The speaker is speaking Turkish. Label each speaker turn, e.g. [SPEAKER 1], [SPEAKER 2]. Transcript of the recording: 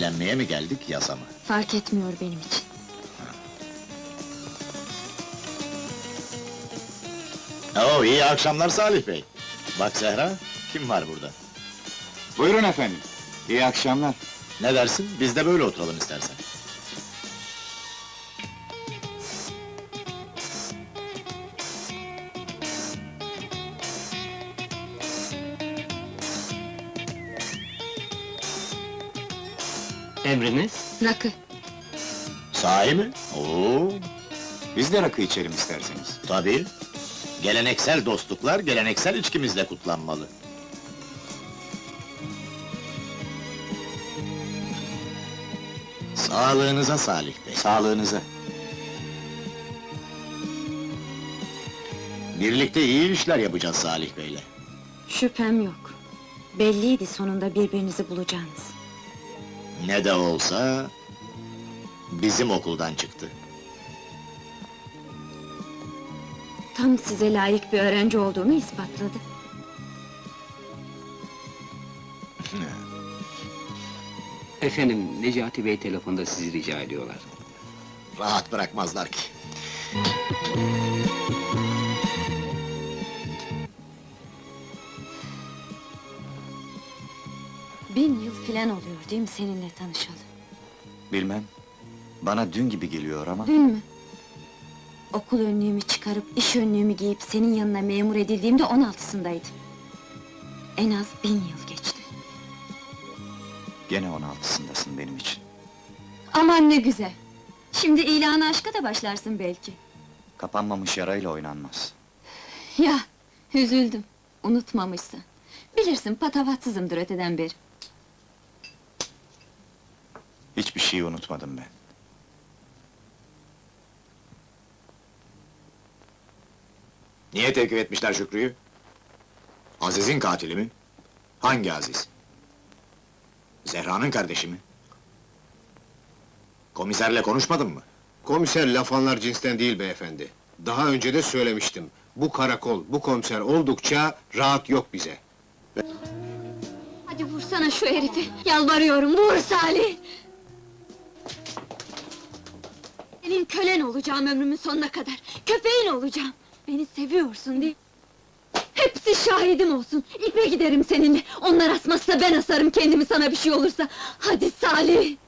[SPEAKER 1] Eğlenmeye mi geldik, yasa mı?
[SPEAKER 2] Fark etmiyor benim için.
[SPEAKER 1] Oo, iyi akşamlar Salih Bey. Bak Zehra, kim var burada?
[SPEAKER 3] Buyurun efendim. İyi akşamlar.
[SPEAKER 1] Ne dersin, biz de böyle oturalım istersen.
[SPEAKER 4] Emriniz?
[SPEAKER 2] Rakı.
[SPEAKER 1] Sahi mi? Oo,
[SPEAKER 3] Biz de rakı içelim isterseniz.
[SPEAKER 1] tabii. Geleneksel dostluklar, geleneksel içkimizle kutlanmalı. Sağlığınıza Salih Bey.
[SPEAKER 3] Sağlığınıza.
[SPEAKER 1] Birlikte iyi işler yapacağız Salih Bey'le.
[SPEAKER 2] Şüphem yok. Belliydi sonunda birbirinizi bulacağınız.
[SPEAKER 1] Ne de olsa... bizim okuldan çıktı.
[SPEAKER 2] Tam size layık bir öğrenci olduğumu ispatladı.
[SPEAKER 4] Efendim, Necati Bey telefonda sizi rica ediyorlar.
[SPEAKER 1] Rahat bırakmazlar ki.
[SPEAKER 2] Bin yıl filan oluyor değil mi seninle tanışalı?
[SPEAKER 3] Bilmem. Bana dün gibi geliyor ama...
[SPEAKER 2] Dün mü? Okul önlüğümü çıkarıp, iş önlüğümü giyip senin yanına memur edildiğimde 16'sındaydım. En az 1000 yıl geçti.
[SPEAKER 3] Gene 16'sındasın benim için.
[SPEAKER 2] Aman ne güzel! Şimdi ilanı aşka da başlarsın belki.
[SPEAKER 3] Kapanmamış yarayla oynanmaz.
[SPEAKER 2] Ya, üzüldüm, unutmamışsın. Bilirsin, patavatsızımdır öteden beri.
[SPEAKER 3] Hiçbir şeyi unutmadım ben.
[SPEAKER 1] Niye tevkif etmişler Şükrü'yü? Aziz'in katili mi? Hangi Aziz? Zehra'nın kardeşi mi? Komiserle konuşmadın mı?
[SPEAKER 5] Komiser laf anlar cinsten değil beyefendi. Daha önce de söylemiştim. Bu karakol, bu komiser oldukça rahat yok bize.
[SPEAKER 2] Hadi vursana şu herifi, yalvarıyorum, vur Salih! Senin kölen olacağım ömrümün sonuna kadar, köpeğin olacağım! Beni seviyorsun değil mi? Hepsi şahidim olsun, ipe giderim seninle! Onlar asmazsa ben asarım kendimi sana bir şey olursa! Hadi Salih!